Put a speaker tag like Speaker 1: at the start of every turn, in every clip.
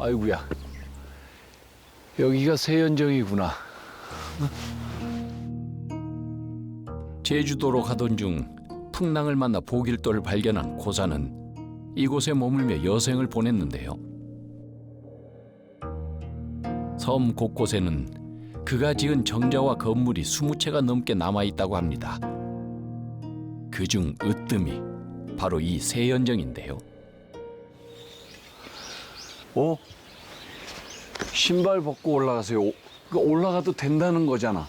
Speaker 1: 아이고야. 여기가 세연정이구나.
Speaker 2: 제주도로 가던 중 풍랑을 만나 보길도를 발견한 고사는 이곳에 머물며 여생을 보냈는데요. 섬 곳곳에는 그가 지은 정자와 건물이 20채가 넘게 남아있다고 합니다. 그중 으뜸이 바로 이 세연정인데요.
Speaker 1: 신발 벗고 올라가세요. 올라가도 된다는 거잖아.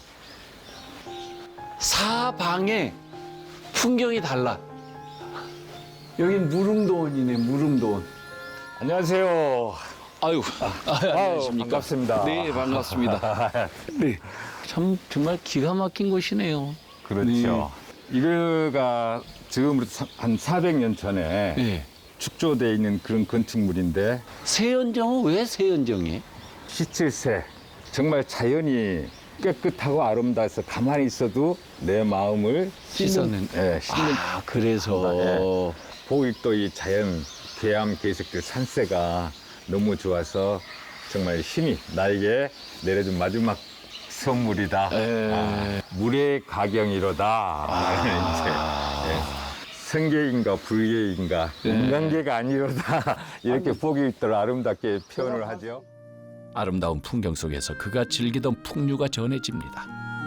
Speaker 1: 사방에 풍경이 달라. 여긴 무릉도원이네, 무릉도원.
Speaker 3: 안녕하세요.
Speaker 1: 아유, 안녕하십니까.
Speaker 3: 반갑습니다.
Speaker 1: 네, 반갑습니다. 네, 참 정말 기가 막힌 곳이네요.
Speaker 3: 그렇죠. 이거가 지금부터 한 400년 전에
Speaker 1: 네.
Speaker 3: 축조되어 있는 그런 건축물인데
Speaker 1: 세연정은 왜 세연정이에요?
Speaker 3: 17세 정말 자연이 깨끗하고 아름다워서 가만히 있어도 내 마음을
Speaker 1: 씻어낸.
Speaker 3: 씻는
Speaker 1: 그래서.
Speaker 3: 보길도 이 자연 계암 계색들 산세가 너무 좋아서 정말 힘이 나에게 내려준 마지막 선물이다. 물의 가경이로다. 이제 성계인가 불계인가 인간계가 아니로다. 이렇게 보길도를 아름답게 표현을 하죠.
Speaker 2: 아름다운 풍경 속에서 그가 즐기던 풍류가 전해집니다.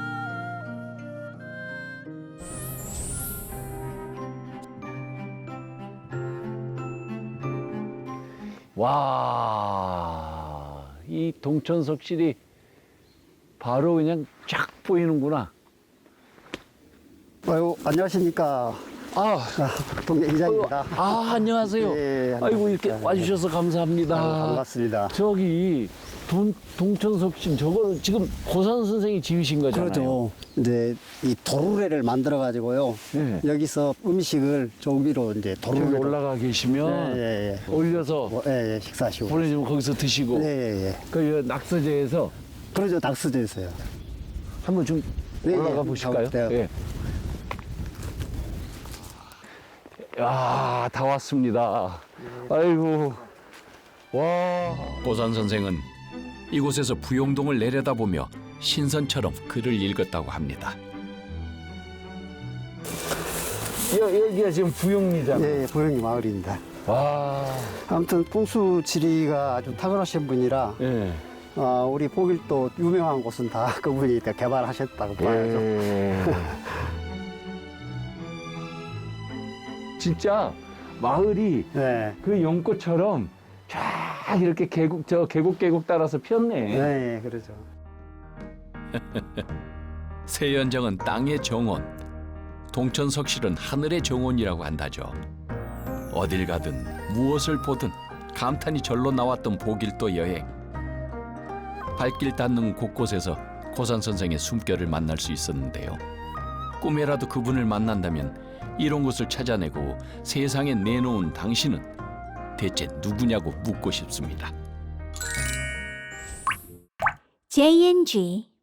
Speaker 1: 와, 이 동천석실이 바로 그냥 쫙 보이는구나.
Speaker 4: 아유, 안녕하십니까.
Speaker 1: 아,
Speaker 4: 동계 기자입니다.
Speaker 1: 안녕하세요.
Speaker 4: 예,
Speaker 1: 아이고, 이렇게
Speaker 4: 안녕하십니까.
Speaker 1: 와주셔서 감사합니다.
Speaker 4: 아유, 반갑습니다.
Speaker 1: 저기 동천석신 저거는 지금 고산 선생이 지으신 거잖아요.
Speaker 4: 그렇죠. 이제 이 도루래를 만들어 가지고요.
Speaker 1: 네.
Speaker 4: 여기서 음식을 조미로 이제
Speaker 1: 저기
Speaker 4: 도루래
Speaker 1: 올라가 계시면
Speaker 4: 예.
Speaker 1: 올려서
Speaker 4: 식사하시고.
Speaker 1: 보내주면 거기서 드시고
Speaker 4: 예.
Speaker 1: 그 낙서제에서
Speaker 4: 그러죠. 낙서제에서요.
Speaker 1: 한번 좀
Speaker 4: 네,
Speaker 1: 올라가
Speaker 4: 예.
Speaker 1: 보실까요?
Speaker 4: 가볼게요.
Speaker 1: 예. 야, 다 왔습니다. 아이고, 와.
Speaker 2: 고산 선생은 이곳에서 부용동을 내려다보며 신선처럼 글을 읽었다고 합니다.
Speaker 1: 여기가 지금 부용리잖아요.
Speaker 4: 예, 보령이 마을입니다.
Speaker 1: 와.
Speaker 4: 아무튼 풍수 지리가 아주 탁월하신 분이라
Speaker 1: 예.
Speaker 4: 우리 보길도 유명한 곳은 다 그분이 다 개발하셨다고 봐야죠.
Speaker 1: 예. 진짜 마을이
Speaker 4: 네.
Speaker 1: 그 연꽃처럼 쫙 이렇게 계곡 따라서 폈네.
Speaker 4: 네, 그러죠.
Speaker 2: 세연정은 땅의 정원, 동천석실은 하늘의 정원이라고 한다죠. 어딜 가든 무엇을 보든 감탄이 절로 나왔던 보길도 여행. 발길 닿는 곳곳에서 고산 선생의 숨결을 만날 수 있었는데요. 꿈에라도 그분을 만난다면 이런 곳을 찾아내고 세상에 내놓은 당신은 대체 누구냐고 묻고 싶습니다.
Speaker 5: JNG